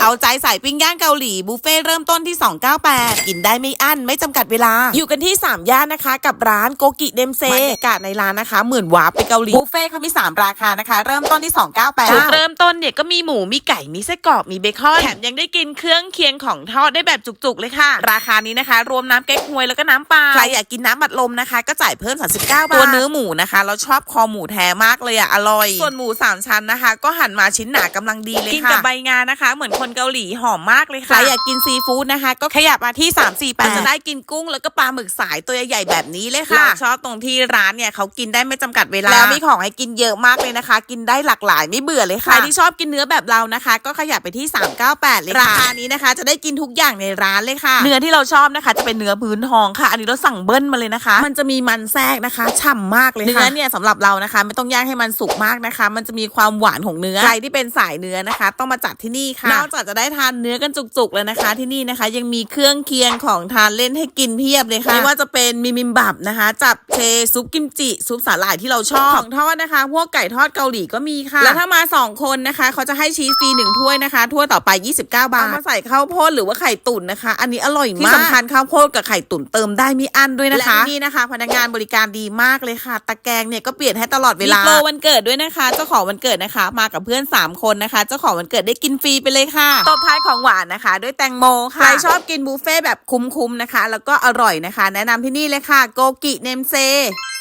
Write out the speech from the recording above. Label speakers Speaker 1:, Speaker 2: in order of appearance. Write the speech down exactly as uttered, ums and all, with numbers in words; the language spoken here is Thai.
Speaker 1: เอาใจสายปิ้งย่างเกาหลีบุฟเฟ่เริ่มต้นที่สองร้อยเก้าสิบแปดกินได้ไม่อั้นไม่จำกัดเวลาอยู่กันที่สามย่านนะคะกับร้านโกกิเดมเซบรรยากาศในร้านนะคะเหมือนวาร์ปไปเกาหลีบุฟเฟ่เขามีสามราคานะคะเริ่มต้นที่สองร้อยเก้าสิบแปดจุดเริ่มต้นเนี่ยก็มีหมูมีไก่มีไส้กรอกมีเบคอนแถมยังได้กินเครื่องเคียงของทอดได้แบบจุกๆเลยค่ะราคานี้นะคะรวมน้ำเก๊กฮวยแล้วก็น้ำปลาใครอยากกินน้ำอัดลมนะคะก็จ่ายเพิ่มสามสิบเก้าบาทตัวเนื้อหมูนะคะเราชอบคอหมูแท้มากเลยอะอร่อยส่วนหมูสามชั้นนะคะก็หั่นมาชิ้นหนากำลังดีเลยค่ะกินกับใบงานะคะเหมือนคนเกาหลีหอมมากเลยค่ะใครอยากกินซีฟู้ดนะคะก็ขยับมาที่สาม สี่ แปดจะได้กินกุ้งแล้วก็ปลาหมึกสายตัวใหญ่ๆแบบนี้เลยค่ะชอบตรงที่ร้านเนี่ยเขากินได้ไม่จำกัดเวลาแล้วมีของให้กินเยอะมากเลยนะคะกินได้หลากหลายไม่เบื่อเลยค่ะใครที่ชอบกินเนื้อแบบเรานะคะก็ขยับไปที่สามร้อยเก้าสิบแปดเลยค่ะราคานี้นะคะจะได้กินทุกอย่างในร้านเลยค่ะเนื้อที่เราชอบนะคะจะเป็นเนื้อพื้นทองค่ะอันนี้เราสั่งเบิ้ลมาเลยนะคะมันจะมีมันแทรกนะคะฉ่ำมากเลยค่ะเนื้อเนี่ยสำหรับเรานะคะไม่ต้องย่างให้มันสุกมากนะคะมันจะมีความหวานของเนื้อใครที่เป็นสายเนื้อนะคะต้องมาจัดที่นี่ค่ะนอกจากจะได้ทานเนื้อกันจุกๆเลยนะคะที่นี่นะคะยังมีเครื่องเคียงของทานเล่นให้กินเพียบเลยค่ะไม่ว่าจะเป็นมิมิมบับนะคะจับเชซุปกิมจิซุปสาหร่ายที่เราชอบของทอดนะคะพวกไก่ทอดเกาหลีก็มีค่ะแล้วถ้ามาสองคนนะคะเขาจะให้ชีสฟรีหนึ่งถ้วยนะคะถ้วยต่อไปยี่สิบเก้าบาทเอามาใส่ข้าวโพดหรือว่าไข่ตุ๋นนะคะอันนี้อร่อยมากที่สำคัญข้าวโพดกับไข่ตุ๋นเติมได้ไม่อั้นด้วยนะคะและนี่นะคะพนักงานบริการดีมากเลยค่ะตะแกรงเนี่ยก็เปลี่ยนให้ตลอดเวลามีโปรวันเกิดด้วยนะคะเจ้าของวันเกิดนะคะมากับเพื่อนสามคนนะคะเจ้าของวันเกิดได้กินฟรีไปเลยค่ะตบท้ายของหวานนะคะด้วยแตงโมค่ะใครชอบกินบุฟเฟ่แบบคุ้มๆนะคะแล้วก็อร่อยนะคะแนะนำที่นี่เลยค่ะโกกิเนมเซ